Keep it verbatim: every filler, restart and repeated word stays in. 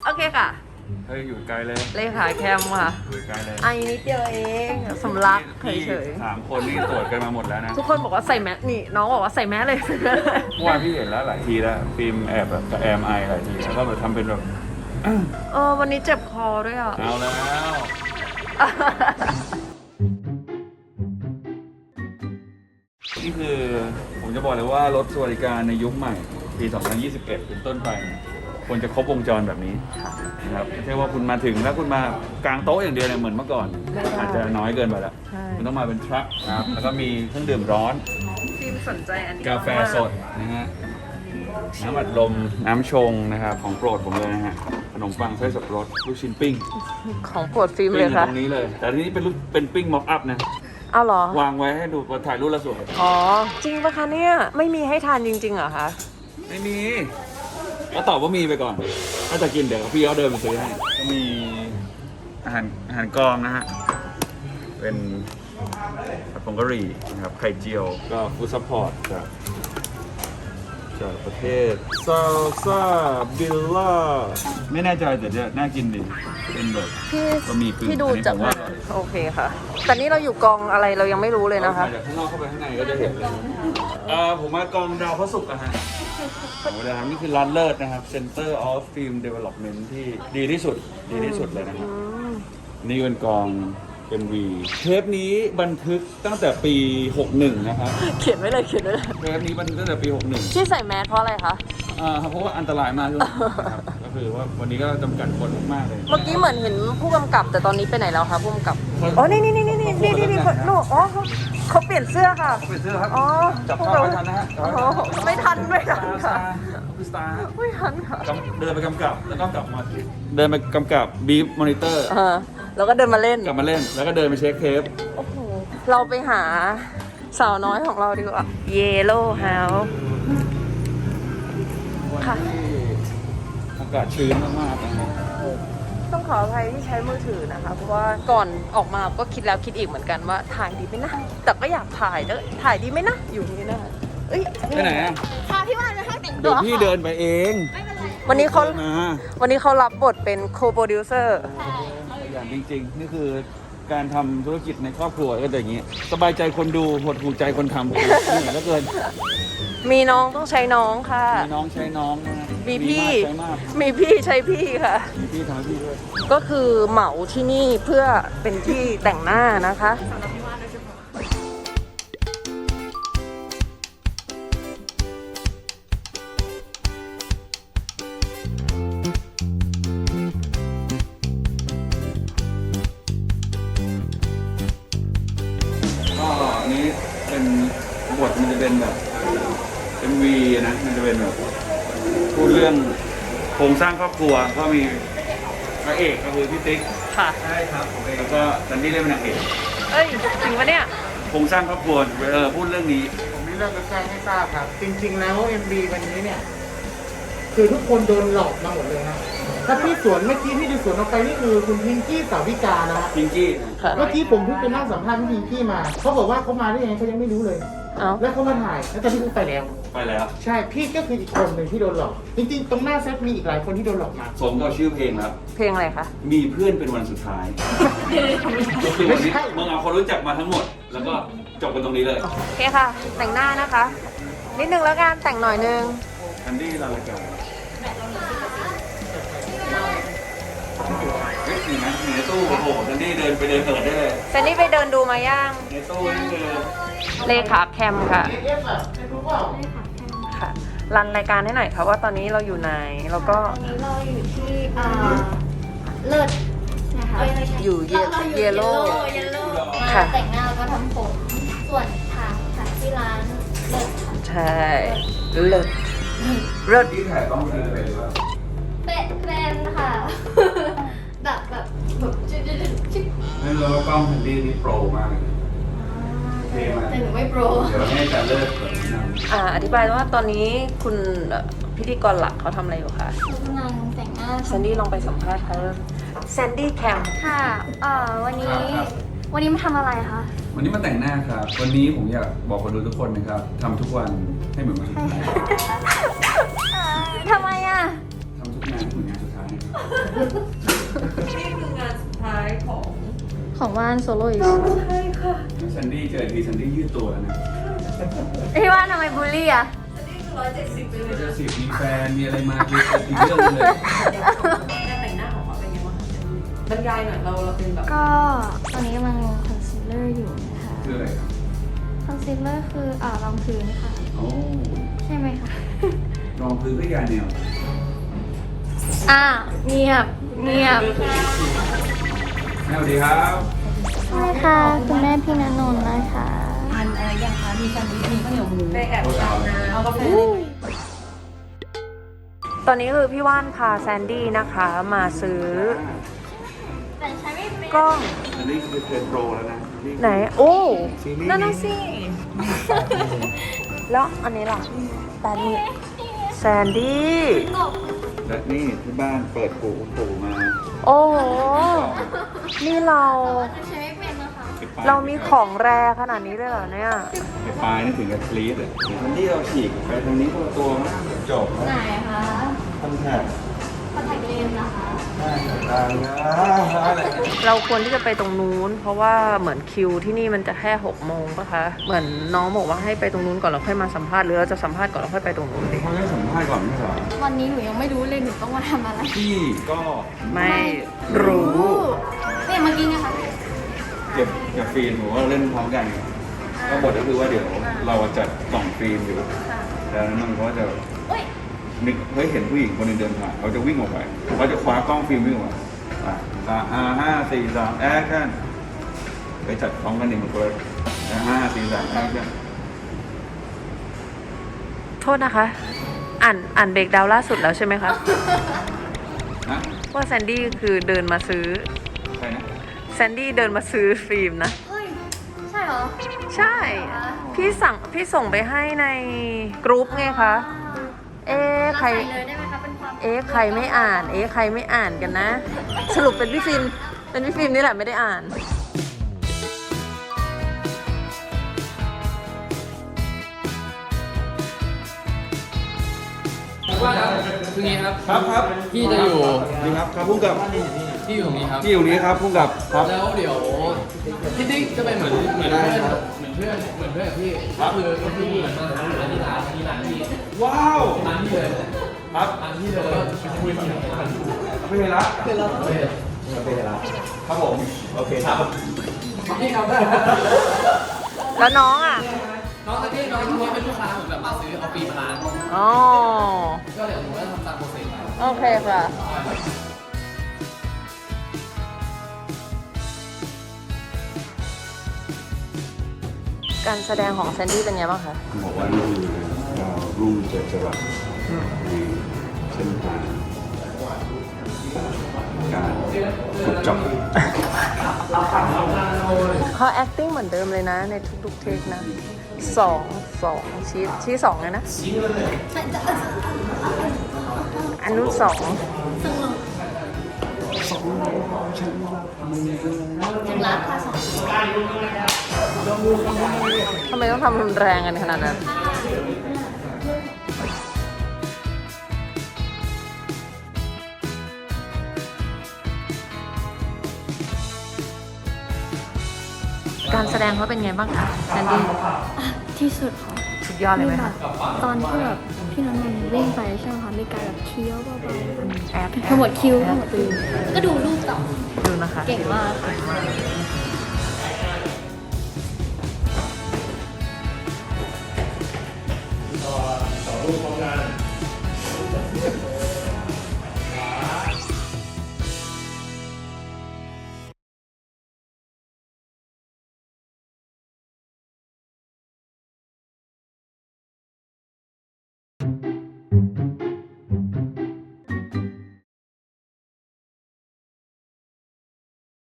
โอเคค่ะเฮ้ยอยู่ไกลเลยเลขาแคมค่ะอยู่ไกลเลยไอ้นิดเดียวเองสำลักเฉยสามคนนี่ตรวจกันมาหมดแล้วนะๆทุกคนบอกว่าใส่แมสนี่น้องบอกว่าใส่แมสเลยเมื่อวานพี่เห็นแล้วหลายทีแล้วฟิล์มแอบแบบกับแอมไอหลายทีแล้วก็แบบทำเป็นแบบเออวันนี้เจ็บคอด้วยอ่ะเอาแล้วนี่คือผมจะบอกเลยว่ารถสวัสดิการในยุคใหม่ปี สองพันยี่สิบเอ็ด เป็นต้นไปเนี่ยควรจะครบวงจรแบบนี้นะครับไม่ใช่ว่าคุณมาถึงแล้วคุณมากางโต๊ะอย่างเดียวเนี่ยเหมือนเมื่อก่อน อาจจะน้อยเกินไปแล้วใช่มันต้องมาเป็นทรัคนะครับแล้วก็มีเครื่องดื่มร้อนฟิล์มสนใจอันนี้กาแฟสดนะฮะน้ำอัดลมน้ำชงนะครับของโปรดผมเลยนะฮะขนมปังไส้สับปะรดลูกชิ้นปิ้งของโปรดฟิล์มปิ้เลงยอยู่ค่ะตรงนี้เลย แต่ทีนี้เป็นรูปเป็นปิ้งม็อกอัพนะเอาเหรอวางไว้ให้ดูถ่ายรูปแล้วสวยอ๋อจริงปะคะเนี่ยไม่มีให้ทานจริงๆเหรอคะไม่มีก็ตอบว่ามีไปก่อน ถ้าจะกินเดี๋ยวพี่เขาเดินมาซื้อให้ก็มีอาหารอาหารกองนะฮะเป็นผัดผงกะหรี่นะครับไข่เจียวก็ฟู้ดซัพพอร์ตจากจากประเทศซาลซาบิลล่าไม่แน่ใจแต่จะน่ากินดีเป็นแบบพี่บะหมี่กึ่งพี่ดูอันนี้จากผมว่าโอเคค่ะ แต่นี่เราอยู่กองอะไรเรายังไม่รู้เลยนะคะมาจากข้างนอกเข้าไปข้างในก็จะเห็นเลยเออผมมากองดาวพระศุกร์อะฮะโอ้โหนะครับนี่คือร้านเลิศนะครับ Center of Film Development ที่ดีที่สุดดีที่สุดเลยนะครับ นี่เป็นกอง เอ็ม วี เทปนี้บันทึกตั้งแต่ปี หกสิบเอ็ด นะครับเขียนไว้เลยเขียนไว้เลยเทปนี้บันทึกตั้งแต่ปี หกสิบเอ็ดที่ใส่แมสเพราะอะไรคะอ่าเพราะว่าอันตรายมากด้วยนะครับ ก็คือว่าวันนี้ก็จำกัดคนมากๆเลยเมื่อกี้เหมือนเห็นผู้กำกับ แต่ตอนนี้ไปไหนแล้วคะผู้กำกับเขาอ๋อ นี่นี่นี่นี่นี่นี่นี่นี่หนูอ๋อเขาเขาเปลี่ยนเสื้อค่ะเขาเป็นเสื้อครับอ๋อจับภาพไม่ทันนะฮะโอ้โหไม่ทันไม่ทันค่ะคือสตาร์ไม่ทันค่ะเดินไปกำกับแล้วก็กลับมาเดินไปกำกับบีฟมอนิเตอร์เออแล้วก็เดินมาเล่นกลับมาเล่นแล้วก็เดินไปเช็คเทปโอ้โห เราไปหาสาวน้อยของเราดีกว่า เยลโล่เฮาส์วันค่ะที่อากาศชื้นมากๆนะครับต้องขออภัยที่ใช้มือถือนะคะ เพราะว่าก่อนออกมาก็คิดแล้วคิดอีกเหมือนกันว่าถ่ายดีไหมนะ แต่ก็อยากถ่ายแล้วถ่ายดีไหมนะ อยู่อย่างนี้นะคะเอ้ยไปไหนอ่ะพาพี่วานไปห้างแต่งตัเดี๋ยว วพี่เดินไปเองวันนี้เขามาวันนี้เขารับบทเป็นโคโปรดิวเซอร์อย่างจริงๆ นี่คือการทำธุรกิจในครอบครัวก็จะอย่างนี้ สบายใจคนดูหดหูใจคนทำเหนื่อยเหลือเกินมีน้องต้องใช้น้องค่ะมีน้องใช้น้องนะฮะมีพี่มากใช้มากมีพี่ใช้พี่ค่ะมีพี่ทำให้พี่ด้วยก็คือเหมาที่นี่เพื่อเป็นที่แต่งหน้านะคะก็อันนี้เป็นบทมันจะเป็นแบบเป็นวีนะ มันจะเป็นแบบพูดเรื่องโครงสร้างครอบครัวก็มีพระเอกก็คือพี่ติ๊กค่ะใช่ครับผมเองแล้วก็ซันดี้เล่นเป็นนางเอกเอ้ยจริงปะเนี่ยโครงสร้างครอบครัวเออพูดเรื่องนี้ผมมีเรื่องจะแจ้งให้ทราบครับ จริงๆแล้ว เอ็ม บี วันนี้เนี่ย คือทุกคนโดนหลอกมาหมดเลยนะถ้าพี่สวนเมื่อกี้ที่ดูสวนออกไปนี่คือคุณพิงกี้สาวิกานะฮะพิงกี้ค่ะเมื่อกี้ผมเพิ่งไปนั่งสัมภาษณ์พี่พิงกี้มาเขาบอกว่าเขามาได้ยังไงเขายังไม่รู้เลยเอาแล้วเขามาถ่ายแล้วตอนที่เขาไปแล้วไปแล้วใช่พี่ก็คืออีกคนหนึ่งที่โดนหลอก จริงๆ ตรงหน้าเซตมีอีกหลายคนที่โดนหลอกมาสมกับชื่อเพลงครับเพลงอะไรคะมีเพื่อนเป็นวันสุดท้าย ก็คือวันนี้มึงเอาคนรู้จักมาทั้งหมด แล้วก็จบกันตรงนี้เลยโอเคค่ะ แต่งหน้านะคะ นิดนึงแล้วกันแต่งหน่อยนึงคันดี้ลาลากาเฮ้ยมีไหมมีในตู้โอ้โหคันดี้เดินไปเดินเปิดได้เลยเซนนี่ไปเดินดูมาย่างในตู้นี่คือเลขาแคมค่ะเอฟอะไม่รู้เปล่าค่ะ รันรายการให้หน่อยค่ะว่าตอนนี้เราอยู่ไหน แล้วก็วันนี้เราอยู่ที่อ่าเลิศนะคะอยู่เยราราเยลโล่เยลโล่มาค่ะแต่งหน้าแล้วก็ทำผม ส่วนถ่ายถ่ายที่ร้านเลิศค่ะใช่เลิศเลิศที่ถ่ายต้องคือเป็นหรือเปล่าเป็นเป็นค่ะ แบบแบบแบบจิ๊ดจิ๊ดจิ๊ดไม่รู้ว่ากล้องคันดี้นี่โปรมากเลยเท่มากแต่หนูไม่โปรเดี๋ยวให้อาจารย์เลิศแบบแนะนำอ่าอธิบายว่าตอนนี้คุณเอ่อพิธีกรหลักเขาทำอะไรอยู่คะหนูกำลังแต่งหน้าแซนดี้ลองไปสัมภาษณ์เขาแซนดี้แคมค่ะเอ่อวันนี้ วันนี้มาทำอะไรคะวันนี้มาแต่งหน้าครับ วันนี้ผมอยากบอกคนดูทุกคนนะครับทำทุกวันให้เหมือนวันสุดท้ายเอ่อทำไมอ่ะทำทุกงานให้เหมือนงานสุดท้ายนะครับนี่คืองานสุดท้ายของของว่านโซโล่อีกใช่ค่ะซันดี้เจอทีซันดี้ยืดตัวแล้วนะพี่ว่านทำไมบูลลี่อ่ะนี่คือร้อยเจ็ดสิบไปเลยเจอสิมีแฟนมีอะไรมาคืออีกเรื่องเลยการแต่งหน้าออกมาเป็นยังไงบ้างบรรยายหน่อยเราเราเป็นแบบก็ตอนนี้กำลังลงคอนซีลเลอร์อยู่นะคะคืออะไรครับคอนซีลเลอร์คืออ่ารองพื้นค่ะโอ้ใช่ไหมคะรองพื้นก็ยาแนวอ้าวเงียบเงียบสวัสดีครับใช่ค่ะคุณแม่พี่ณนนท์นะคะทานอะไรยังคะมีแซนด์วิชมีข้าวเหนียวหมูไปแอบทานนะเอากาแฟตอนนี้คือพี่ว่านพาแซนดี้นะคะมาซื้อแต่ใช้ไม่เป็นกล้องอันนี้คือเทรนโปรแล้วนะนี่ไหน โอ้ซีรีส์นั่นน่ะสิ แล้วอันนี้ล่ะแซนดี้แซนดี้กบและนี่ที่บ้านเปิดปูปูมาโอ้โห นี่เราแต่ใช้ไม่เป็นนะคะไปปลยเรามีของแรขนาดนี้เลยเหรอเนี่ยไปปลายนี่ถึงกับกรี๊ดเลยทันที่เราฉีกไปตรงนี้ตัวตัวมากจบไหนคะคอนแทคคอนแทคเลนส์นะคะได้ทางนะอะไรเราควรที่จะไปตรงนู้น เพราะว่าเหมือนคิวที่นี่มันจะแค่หกโมงปะคะ เหมือนน้องบอกว่าให้ไปตรงนู้นก่อนแล้วค่อยมาสัมภาษณ์หรือเราจะสัมภาษณ์ก่อนแล้วค่อยไปตรงนู้นดิเขาจะสัมภาษณ์ก่อนไม่ใช่เหรอวันนี้หนูยังไม่รู้เลยหนูต้องมาทำอะไรพี่ก็ไม่รู้เนี่ยเมื่อกี้ไงคะเก็บกับฟิล์มผมว่าเล่นพร้อมกันก็บทก็คือว่าเดี๋ยวเราจะกล่องฟิล์มอยู่แล้วนั้นมันก็จะเอ้ยนึกเฮ้ยเห็นผู้หญิงคนหนึงเดินผ่านเขาจะวิ่งออกไปเขาจะคว้ากล้องฟิล์มวิ่งออกมาอ่ะสามอ่าห้าสี่สามแอคชั่นไปจัดพร้อมกันหนึ่งคนอ่ะห้าสี่สามแอคชั่นโทษนะคะ อ่านอ่านเบรกดาวน์ล่าสุดแล้วใช่ไหมคะนะว่าแซนดี้คือเดินมาซื้อใครนะแซนดี้เดินมาซื้อฟิล์มนะเฮ้ย ใช่เหรอใช่ พี่สั่งพี่ส่งไปให้ในกรุ๊ปไงคะ เอ๊ะเราใครใส่เลยได้ไหมคะเป็นความเอ๊ะใครไม่อ่าน เอ๊ะใครไม่อ่านกันนะ สรุปเป็นพี่ฟิล์ม เป็นพี่ฟิล์มนี่แหละไม่ได้อ่านว่าครับคืองี้ครับครับครับพี่จะอยู่นี่ครับครับพุ่งกับที่อยู่ตรงนี้ครับที่อยู่นี้ครับพุ่งกับครับแล้วเดี๋ยวพี่ติ๊กจะเป็นเหมือนเหมือนเพื่อนเหมือนเพื่อนเหมือนเพื่อนกับพี่ก็คือก็คือเหมือนมาหาร้านที่ร้านที่ร้านที่ว้าวร้านที่เลยครับร้านที่เลยก็คุยกันพี่เฮละพี่เฮละพี่เฮละครับผมโอเคครับพี่ครับแล้วน้องอ่ะน้องตะกี้น้องที่เป็นลูกค้าเหมือนแบบมาซื้อเอาปีมาร้านอ๋อก็เดี๋ยวผมก็ทำตามโปรเซสไปโอเคค่ะ การแสดงของแซนดี้เป็นไงบ้างคะบอกว่านี่คือดาวรุ่งเจ็ดจรัสในเส้นทางการขุดเจาะเขา acting เหมือนเดิมเลยนะ ในทุกๆเทคนะสองสองชี้ชี้สองเลยนะ อันนู้นสองจึงรักค่ะสองทำไมต้องทำรุนแรงกันขนาดนั้น การแสดงเขาเป็นไงบ้างคะแซนดี้ที่สุดค่ะสุดยอดเลยไหมคะตอนที่แบบพี่น้องนนท์วิ่งไปใช่ไหมคะมีการแบบเคี้ยวเบาแอบๆทั้งหมดคิ้วทั้งหมดคิ้วแล้วก็ดูรูปต่อดูนะคะเก่งมากค่ะเ